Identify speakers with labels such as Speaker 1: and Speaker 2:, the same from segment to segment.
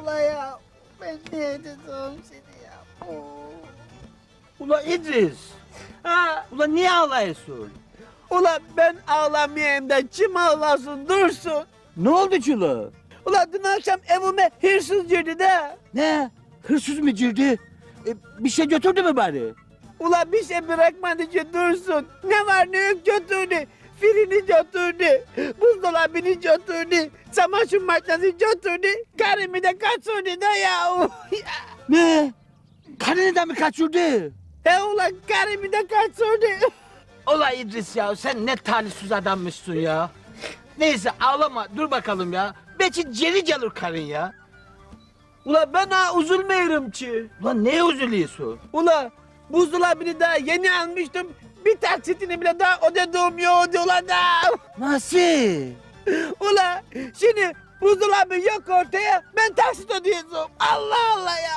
Speaker 1: ula ya. Ben niye dedim seni ya?
Speaker 2: Ula İdris.
Speaker 1: Ha,
Speaker 2: Ula niye ağlıyorsun?
Speaker 1: ula ben ağlamayayım da kim ağlasın dursun.
Speaker 2: Ne oldu çula?
Speaker 1: Ula dün akşam evime hırsız girdi de.
Speaker 2: Ne? Hırsız mı girdi? Bir şey götürdü mü bari?
Speaker 1: Ula bir şey bırakmadı ki dursun. Ne var ne yok götürdü. Filini götürdü. Buzdolabını götürdü. Çamaşır makinesi götürdü. Karımı da kaçırdı da ya.
Speaker 2: Ne? Karını da mı kaçırdı?
Speaker 1: He ula karımı da kaçırdı.
Speaker 2: Ula İdris ya sen ne talihsiz adammışsın ya. Neyse ağlama dur bakalım ya. Belki geri gelir karın ya.
Speaker 1: Ula ben ha üzülmüyorum ki.
Speaker 2: Ulan neye üzülüyorsun?
Speaker 1: Ula buzdolabını daha yeni almıştım. Bir taksitini bile daha ödediğim yoktu ula da.
Speaker 2: Nasıl?
Speaker 1: Ula şimdi buzdolabı yok ortaya ben taksit ödeyeceğim. Allah Allah ya.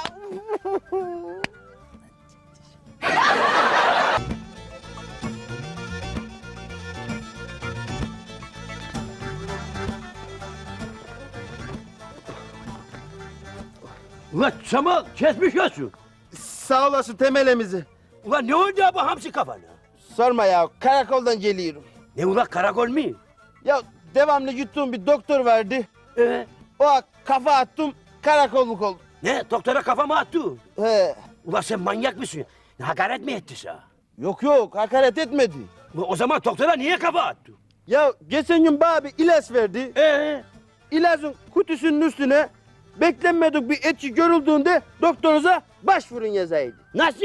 Speaker 2: Ulan Samal kesmiş olsun.
Speaker 3: Sağ olasın temelimizi.
Speaker 2: Ulan ne oldu ya bu hamsi kafana?
Speaker 3: Sorma ya, karakoldan geliyorum.
Speaker 2: Ne ulan karakol mu?
Speaker 3: Ya devamlı yuttuğum bir doktor vardı. O kafa attım, karakolluk oldum.
Speaker 2: Ne doktora kafa mı attı?
Speaker 3: He.
Speaker 2: Ulan sen manyak mısın? Hakaret mi etti sana?
Speaker 3: Yok, hakaret etmedi.
Speaker 2: O zaman doktora niye kafa attı?
Speaker 3: Ya geçen gün bana bir ilaç verdi. İlacın kutusunun üstüne beklenmedik bir etki görüldüğünde doktorunuza başvurun yazaydı.
Speaker 2: Nasıl?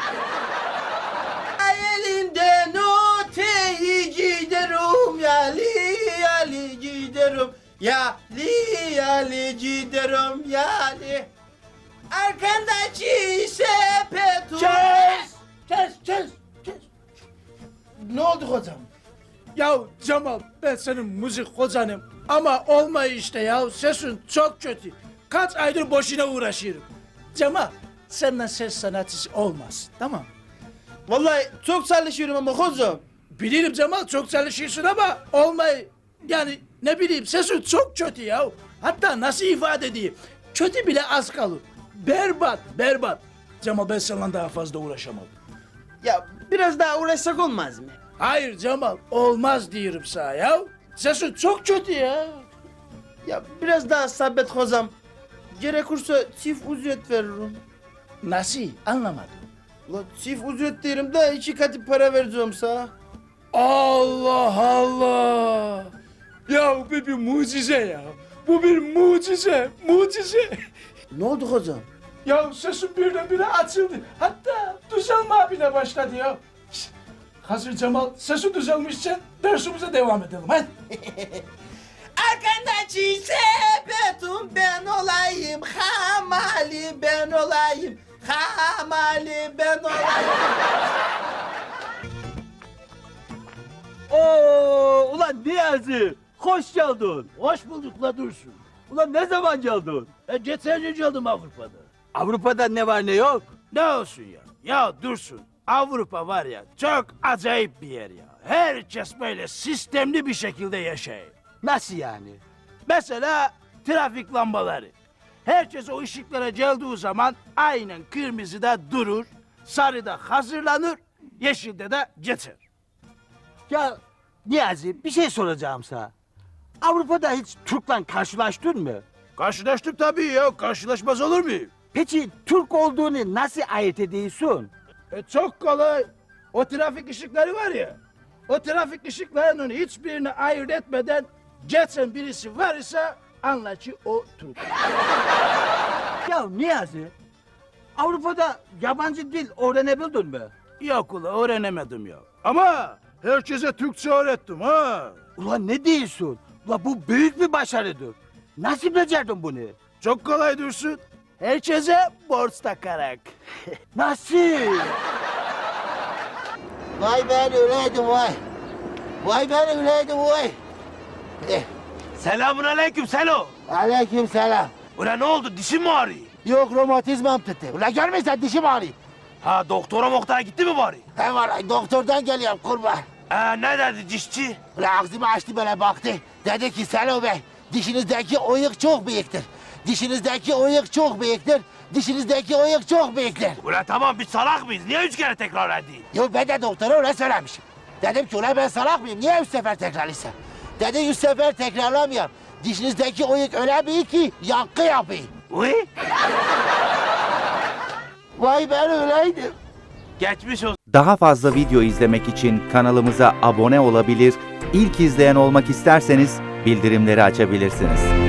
Speaker 3: Elinden öteyi giderim yali yali giderim yali yali giderim yali arkandaki sepetu.
Speaker 2: Kes.
Speaker 3: Ne oldu hocam?
Speaker 4: Ya Cemal ben senin müzik hocanım ama olmuyor işte ya sesin çok kötü. Kaç aydır boşuna uğraşıyorum. Cemal senden ses sanatçısı olmaz tamam.
Speaker 3: Vallahi çok çalışıyorum ama hocam.
Speaker 4: Bilirim Cemal çok çalışıyorsun ama olmuyor. Yani ne bileyim sesin çok kötü ya. Hatta nasıl ifade edeyim kötü bile az kalır. Berbat. Cemal ben seninle daha fazla uğraşamam.
Speaker 3: Ya biraz daha uğraşsak olmaz mı?
Speaker 4: Hayır Cemal olmaz diyorum sana ya. Sesin çok kötü ya.
Speaker 3: Ya biraz daha sabret hocam. Gerekirse çift ücret veririm.
Speaker 4: Nasıl anlamadım.
Speaker 3: La çift ücret derim de 2 katı para vereceğim sana.
Speaker 4: Allah. Ya bu bir mucize ya. Bu bir mucize.
Speaker 3: Ne oldu hocam?
Speaker 4: Ya sesim birdenbire açıldı. Hatta düzelme bile başladı ya. Şişt, hazır Cemal sesi düzelmişken dersimize devam edelim hadi.
Speaker 3: Arkandaki sepetum ben olayım, hamali ben olayım, hamali ben olayım.
Speaker 2: Oo, ulan Niyazi, hoş geldin. Hoş bulduk la Dursun. Ulan ne zaman geldin?
Speaker 4: Geçen gün geldim Avrupa'da.
Speaker 2: Avrupa'da ne var ne yok?
Speaker 4: Ne olsun ya? Ya Dursun Avrupa var ya çok acayip bir yer ya. Herkes böyle sistemli bir şekilde yaşayır.
Speaker 2: Nasıl yani?
Speaker 4: Mesela trafik lambaları. Herkes o ışıklara geldiği zaman aynen kırmızıda durur, sarıda hazırlanır, yeşilde de geçer.
Speaker 2: Ya Niyazi bir şey soracağım sana. Avrupa'da hiç Türk'le karşılaştın mı?
Speaker 4: Karşılaştık tabii ya, karşılaşmaz olur muyum?
Speaker 2: Peki Türk olduğunu nasıl ayırt ediyorsun?
Speaker 4: Çok kolay. O trafik ışıkları var ya, o trafik ışıklarının hiçbirini ayırt etmeden geçen birisi var ise anla ki o Türk.
Speaker 2: Ya Niyazi, Avrupa'da yabancı dil öğrenebildin mi?
Speaker 4: Yok ula öğrenemedim ya. Ama herkese Türkçe öğrettim ha.
Speaker 2: Ulan ne diyorsun? Ulan bu büyük bir başarıdır. Nasıl becerdin bunu?
Speaker 4: Çok kolay Dursun. Herkese borç takarak.
Speaker 2: Nasıl?
Speaker 5: Vay ben öyleydim vay. Vay ben öyleydim vay.
Speaker 2: Selamun aleyküm Selo.
Speaker 5: Aleyküm selam.
Speaker 2: Ulan ne oldu dişin mi ağrıyor?
Speaker 5: Yok romatizmam tuttu. Ulan görmüyorsan dişim ağrıyor.
Speaker 2: Ha doktora gitti mi bari?
Speaker 5: He var doktordan geliyorum kurban.
Speaker 2: Ne dedi dişçi?
Speaker 5: Ulan ağzımı açtı böyle baktı. Dedi ki Selo Bey dişinizdeki oyuk çok büyüktür. Dişinizdeki oyuk çok büyüktür. Dişinizdeki oyuk çok büyüktür.
Speaker 6: Ulan tamam biz salak mıyız? Niye 3 kere tekrar edeyim?
Speaker 5: Yo ben de doktora öyle söylemişim. Dedim ki ulan ben salak mıyım? Niye 3 sefer tekrarlaysam? Dedi 3 sefer tekrarlamayayım. Dişinizdeki oyuk öyle büyük ki yankı yapayım.
Speaker 6: Uy.
Speaker 5: Vay ben öyleydim.
Speaker 6: Geçmiş olsun.
Speaker 7: Daha fazla video izlemek için kanalımıza abone olabilir, ilk izleyen olmak isterseniz bildirimleri açabilirsiniz.